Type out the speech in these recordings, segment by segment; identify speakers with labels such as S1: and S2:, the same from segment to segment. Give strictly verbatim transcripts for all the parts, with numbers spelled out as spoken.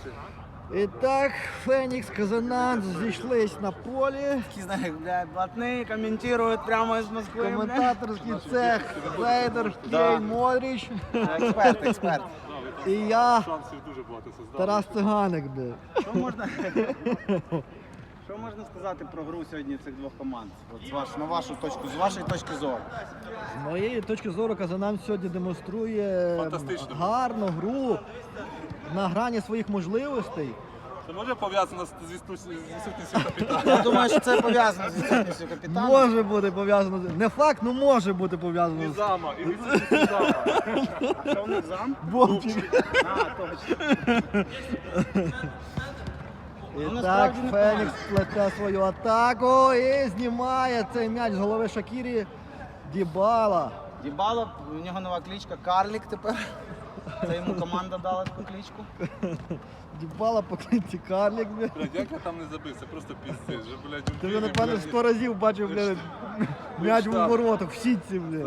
S1: І так, Фенікс, Казанан зійшлись на полі.
S2: Такі, знаєш, блядь, блатні, коментують прямо з Москви, блядь.
S1: Коментаторський цех Фейдер,
S2: Да.
S1: Кейн, Модріч.
S2: Експерт, експерт.
S1: І я,
S3: Шансів дуже багато создав.
S1: Тарас Циганик. бля.
S2: Що можна, що можна сказати про гру сьогодні цих двох команд? От з ваш, на вашу точку, з вашої точки зору.
S1: З моєї точки зору, Казанан сьогодні демонструє
S3: Фантастично.
S1: гарну гру на грані своїх можливостей.
S3: Це може пов'язано з з відсутністю з відсутністю капітана?
S2: Я думаю, що це пов'язано з відсутністю капітана.
S1: Може бути пов'язано з... Не факт, ну може бути пов'язано
S3: І
S1: з
S3: зама, і відсутністю зама.
S2: А що у них зам?
S1: Бомчик.
S2: А, точно.
S1: І
S2: Ну,
S1: так,
S2: насправді непогано.
S1: Фенікс плете свою атаку і знімає цей м'яч з голови Шакірі. Дібала.
S2: Дібало, у нього нова кличка Карлік тепер. Це йому команда дала таку кличку.
S1: Дібала по клинці Карлік. бля.
S3: Блядь, як я там не забив, це просто піздець. Вже, блядь, у
S1: Ти вже,
S3: Києві,
S1: напевно,
S3: блядь,
S1: сто разів бачив,
S3: Ти
S1: бля,
S3: ж-
S1: м'яч
S3: ти
S1: в
S3: ж там.
S1: воротах, в сітці, бля.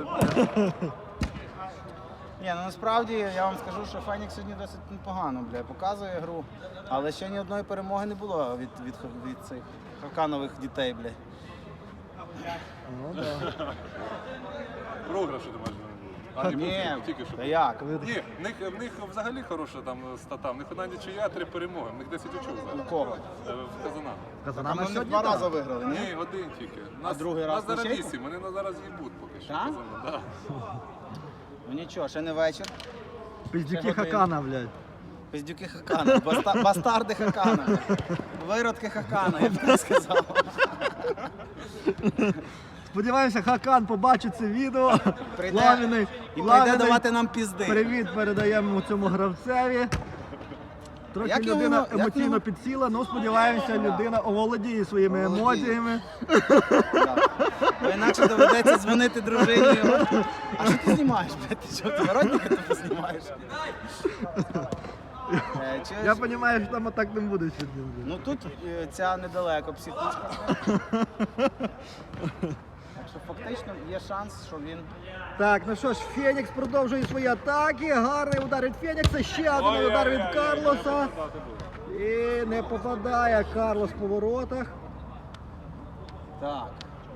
S2: Ні, ну насправді я вам скажу, що Фенікс сьогодні досить непогано, бля, показує гру. Але ще ні одної перемоги не було від, від, від цих хаканових дітей, бля.
S1: Ну, да.
S3: Програші, думаєш, вони були? А, ні,
S2: Ні,
S3: були, тільки що.
S2: та як?
S3: Ні, в них, в них взагалі хороша там стата. В них одна нічия, три перемоги. В них десять очок
S2: У
S3: зараз.
S2: кого?
S3: Е, В Казанах.
S1: Казанана
S2: Вони
S1: сьогодні
S2: два
S1: так.
S2: рази виграли, ні?
S3: Ні, один тільки.
S2: А другий раз
S3: Нас зараз
S2: нічийку?
S3: вісім, вони нас зараз їбуть поки що.
S2: Так?
S3: Казанах, да.
S2: Ну нічого, ще не вечір.
S1: Піздюки
S2: Ще година.
S1: Хакана, блядь.
S2: Пиздюки Хакана, баста, бастарди Хакана, виродки Хакана, я б так сказав.
S1: Сподіваємося, Хакан побачить це відео.
S2: Прийде
S1: Пламенний,
S2: і прийде
S1: пламенний
S2: давати нам пізди.
S1: привіт передаємо цьому гравцеві. Трохи
S2: Як його-
S1: людина
S2: як
S1: емоційно
S2: його-
S1: підсіла, але сподіваємося, людина оволодіє своїми
S2: Оволодіє.
S1: емоціями.
S2: Бо інакше доведеться дзвонити дружині. А що ти знімаєш, блядь? Ти що, ти воротника тупо знімаєш? Е, чи-
S1: Я розумію, що там атак не буде сьогодні.
S2: Ну тут е, ця недалеко психічка. Так що фактично є шанс, що він...
S1: Так, ну що ж, Фенікс продовжує свої атаки. Гарний удар від Фенікса, ще один удар від Карлоса. І не попадає Карлос по воротах.
S2: Так.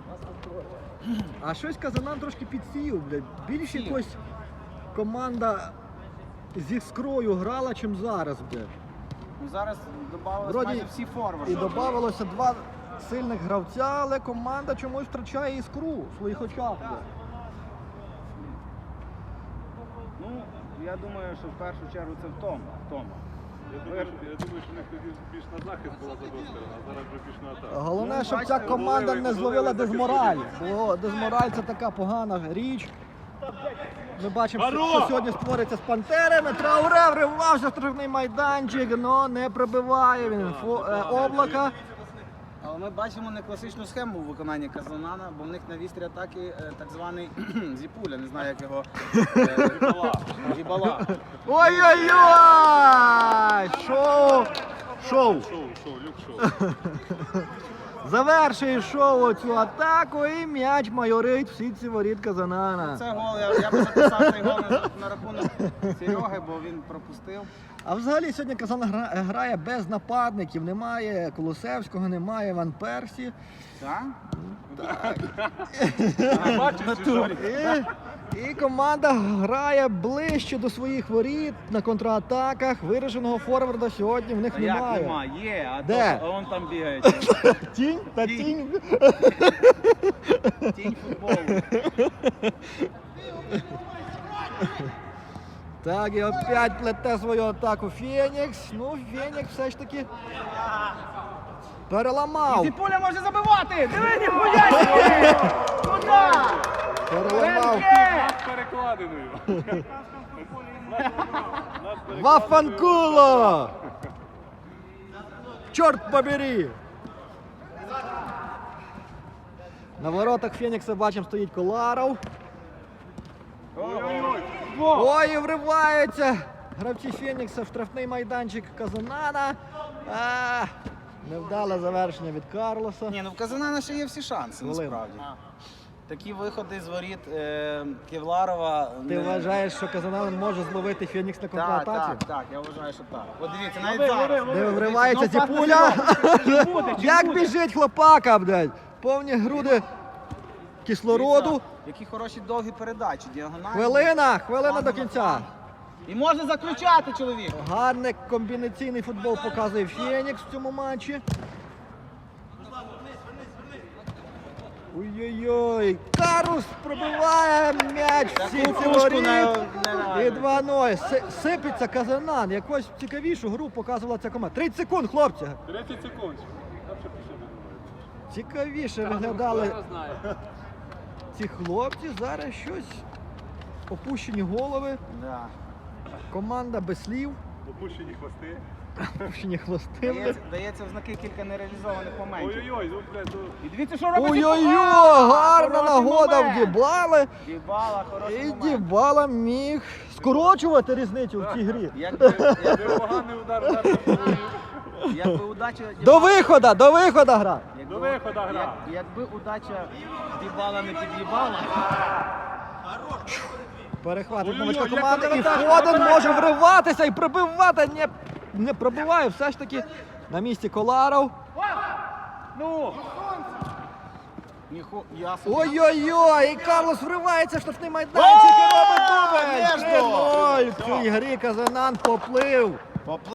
S1: А щось Казанан трошки підсів, блядь. Більш
S2: Підсів.
S1: якось команда з іскрою грала, чим зараз, блядь.
S2: Ну, зараз додавалися
S1: Вроді
S2: майже всі форварди.
S1: І додавалося два сильних гравця, але команда чомусь втрачає іскру в своїх очах. блядь.
S2: Ну, я думаю, що в першу чергу це втома. втома.
S3: Я думаю, що- я думаю, що в них тоді більш на захист була з однієї сторони, а зараз вже більш на атаку.
S1: Головне,
S2: Ну,
S1: щоб
S2: бачите,
S1: ця команда
S3: зловили-
S1: не зловила
S3: зловили
S1: дезмораль.
S3: захисників.
S1: Бо дезмораль це така погана річ. Ми бачимо, що,
S3: Здорово!
S1: що сьогодні створиться з пантерами. Трауре вривався в штрафний майданчик, але не пробиває він фо, е, облака.
S2: Але ми бачимо не класичну схему в виконанні Казанана, бо в них на вістрі атаки е, так званий зіпуля, не знаю як його. е, Гібала.
S1: Ой-ой-ой! Шоу! Шоу!
S3: Шоу, шоу, люк шоу.
S1: Завершує шоу цю атаку і м'яч майорить в сітці воріт Казанана.
S2: Це гол, я, я би записав цей гол на, на рахунок Сереги, бо він пропустив.
S1: А взагалі сьогодні Казан гра- грає без нападників. Немає Колосевського, немає Ван Персі.
S2: Так?
S3: Бачиш, чи що?
S1: І, і команда грає ближче до своїх воріт на контратаках. Вираженого форварда сьогодні в них
S2: А як
S1: немає.
S2: нема? Є, а
S1: Де?
S2: то а он там бігає.
S1: Тінь та тінь.
S2: Тінь футболу.
S1: Так, і опять плете свою атаку Фенікс. Ну, Фенікс все ж таки переламав.
S2: Зіпуля може забивати! Диви, ніхуя собі! Куда?
S1: Переламав.
S2: Ренке!
S3: З перекладиною.
S1: Вафанкуло! Чорт побери! На воротах Фенікса бачимо стоїть Коларов.
S3: Ой-ой-ой.
S1: Ой, і вриваються гравці Фенікса в штрафний майданчик Казанана. А, невдале завершення від Карлоса.
S2: Ні, ну в Казанана ще є всі шанси,
S1: Хвилина.
S2: насправді. такі виходи з воріт е, Кевларова.
S1: Ти
S2: не-
S1: вважаєш, що Казанан може зловити Фенікс на
S2: Так,
S1: контратаці?
S2: так, так, я вважаю, що так. От дивіться, навіть зараз.
S1: Де вривається
S2: Дивіться, знову
S1: Зіпуля.
S2: пас на Зіпуля.
S1: Як біжить хлопака, блядь. Повні груди кислороду.
S2: Дивіться, які хороші довгі передачі, діагональні.
S1: Хвилина, хвилина до кінця.
S2: І можна заключати, чоловік.
S1: Гарний комбінаційний футбол показує Фенікс в цьому матчі. Ой-ой-ой, Карус пробиває м'яч в
S2: Таку
S1: сітці
S2: пушку
S1: воріт.
S2: не- не-
S1: І два нуль. Си- Сипеться Казанан. Якось цікавішу гру показувала ця команда. тридцять секунд, хлопці.
S3: тридцять секунд. Там ще пішли не думаю.
S1: Цікавіше виглядали
S3: Хто знає.
S1: ці хлопці. Зараз щось. Опущені голови.
S2: Да.
S1: Команда без слів.
S3: Опущені хвости.
S1: Опущені хвости.
S2: Дається, дається в знаки кілька нереалізованих моментів.
S3: Ой-ой-ой, ну, блядь, ну.
S2: І дивіться, що робить
S1: Ой-ой-ой,
S2: Дібала!
S1: гарна
S2: Хороший
S1: нагода в
S2: момент.
S1: Дібали.
S2: Дібала, хороший
S1: І
S2: момент.
S1: Дібала міг скорочувати різницю в цій грі.
S2: Якби, як-
S3: Непоганий удар, удар на голову.
S2: якби удача
S1: До виходу, до виходу гра.
S2: якби,
S3: До виходу гра.
S2: як- якби удача Дібала не під'їбала,
S1: Перехватить
S3: Ой-ой-ой,
S1: новачка
S3: як
S1: команди і
S3: контратака,
S1: Фоден може вриватися і пробивати. Не, не пробиває, все ж таки на місці Коларов.
S2: ну ніху, я собі.
S1: Ой-ой-ой, і Карлос вривається в штрафний майданчик і робить дубль.
S2: Между!
S1: три нуль. В цій грі Казанан поплив.